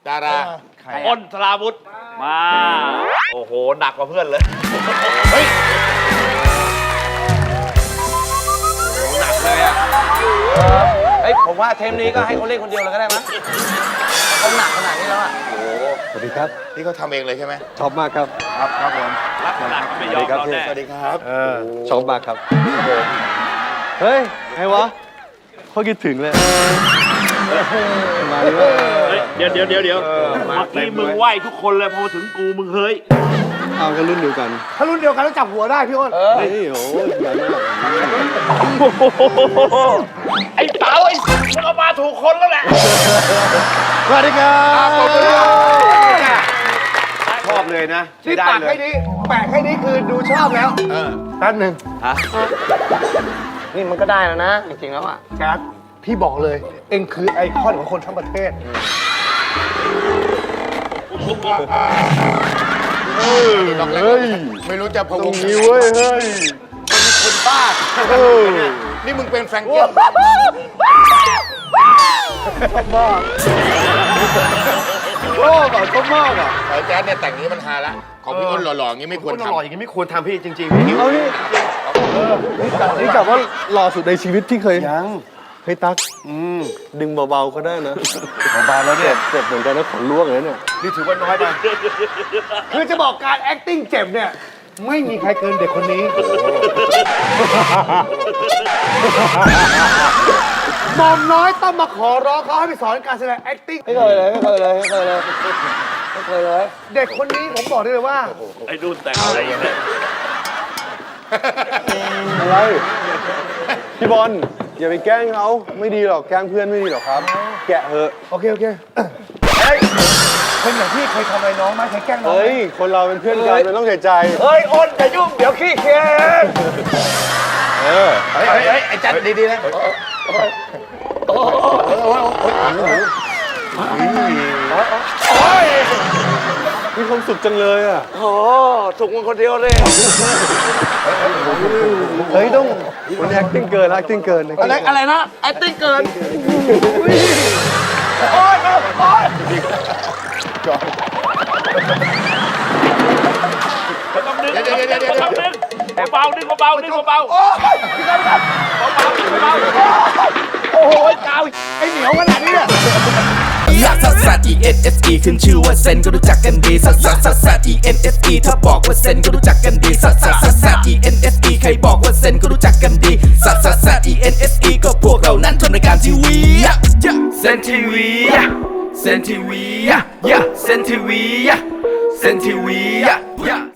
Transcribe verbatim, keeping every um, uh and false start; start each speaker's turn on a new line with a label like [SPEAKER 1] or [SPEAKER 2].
[SPEAKER 1] ดารา
[SPEAKER 2] อ้นสราวุธมาโอ้โหหนักกว่าเพื่อนเลยเฮ้ยหนักเลยอ่ะเฮ้ยผมว่าเทมนี้ก็ให้เขาเล่นคนเดียวเลยก็ได้มั้ยเขาหนักขนาดนี้แล้วอ่ะโอ้
[SPEAKER 3] สวัสดีครับ
[SPEAKER 1] นี่เขาทำเองเลยใช่ไหม
[SPEAKER 3] ชอบมากครับ
[SPEAKER 2] ครับครับผมรักขนาดไม่ยอมเราแน่
[SPEAKER 1] สวัสดีครับ
[SPEAKER 3] เออชอบมากครับเฮ้ยไงวะเขาคิดถึงเลยมาเลย
[SPEAKER 2] เดี๋ยวเดี๋ยวเดี๋ยวเดี๋ยวเมื่อกี้มึงไหวทุกคนเลยพอถึงกูมึงเฮ้ย
[SPEAKER 3] เอากันรุ่นเดียวกัน
[SPEAKER 4] ถ้ารุ่นเดียวกันแล้วจับหัวได้พี่อ้น
[SPEAKER 3] เฮ้ยโอ้ยใหญ่มาก
[SPEAKER 2] ไอ้เต๋าไอ้มึงเอามาถูกคนแล้วแหละ
[SPEAKER 3] สวัสดีครับชอบเลยนะ
[SPEAKER 4] ที่ปากแค่นี้แปะแค่นี้คือดูชอบแล้วแป๊บหนึ่ง
[SPEAKER 3] ฮะ
[SPEAKER 4] นี่มันก็ได้แล้วนะจริงๆแล้วอ่ะแจ๊ดพี่บอกเลยเอ็งคือไอคอนของคนทั้งประเทศ
[SPEAKER 1] เฮ้ยไม่รู้จะพะวง
[SPEAKER 3] นี้เว้ยเฮ้ย
[SPEAKER 1] มันคนบ้านี่มึงเป็นแฟรงเกิล
[SPEAKER 3] ชอบมากชอบอ่ะชอบมากอ่ะ
[SPEAKER 1] ไอ้แจ๊ดเนี่ยแต่งนี้มันฮาละของพี่อ้นหล่อๆอย่างนี้ไม่ควรทำ
[SPEAKER 4] หล่ออย่างนี้ไม่ควรทำพี่จริงๆพี่
[SPEAKER 3] เอานี่นี่กลับว่าหล่อสุดในชีวิตที่เคยยังเฮ้ยตั๊กดึงเบาๆก็ได้นะเบาๆแล้วเนี่ยเจ็บเหมือนกันนะขนล่วงเลยเนี่ย
[SPEAKER 4] นี่ถือว่าน้อยไปคือจะบอกการ acting เจ็บเนี่ยไม่มีใครเกินเด็กคนนี้หม่อมน้อยต้องมาขอร้องเขาให้ไปสอนการแสดง acting
[SPEAKER 3] ไม่เคยเลยไม่เคยเลยไม่เคยเลยไม่เคยเลย
[SPEAKER 4] เด็กคนนี้ผมบอกได้เลยว่า
[SPEAKER 2] ไอ้ดูแต่งอะไรอย่างเงี้ย
[SPEAKER 3] อะไรพี่บอลอย่าไปแกล้งเขาไม่ดีหรอกแกล้งเพื่อนไม่ดีหรอกครับแกะเหอะ
[SPEAKER 4] โอเคโอเคเฮ้ยคนอย่างพี่เคยทำอะไรน้องไหมเคยแกล้งน้อง
[SPEAKER 3] เฮ้ยคนเราเป็นเพื่อนกันมันต้องใส่ใจ
[SPEAKER 4] เฮ้ยอ้นอย่ายุ่งเดี๋ยวขี้เคียน
[SPEAKER 3] เออ
[SPEAKER 1] เฮ้ยเฮ้ยไอ้จัดดีๆนะ
[SPEAKER 3] มีความสุขจังเลยอ่ะ
[SPEAKER 4] โอ้ถูกมึงคนเดียวเลย
[SPEAKER 3] เฮ้ยต้องมัน acting เกิน acting เกิน
[SPEAKER 4] อะไรอะไรนะ acting เกินโอ้ยโอ้ย
[SPEAKER 2] ต้องดึงต้องดึงต้องดึงเบาดึงเบาดึงเบา
[SPEAKER 4] โอ้ยพี่กันครับเบาดึงเบาโอ้โหกาวไอเหนียวขนาดนี้เนี่ย
[SPEAKER 5] ลักซัสซัส E N S E ขึ้นชื่อว่าเซนก็รู้จักกันดีซัสซัสซัสซัส E N S E ถ้าบอกว่าเซนก็รู้จักกันดีซัสซัสซัสซัส E N S E ใครบอกว่าเซนก็รู้จักกันดีซัสซัสซัส E N S E ก็พวกเรานั้นทำรายการทีวีเซนทีวีเซนทีวีเซนทีวีเซนทีวี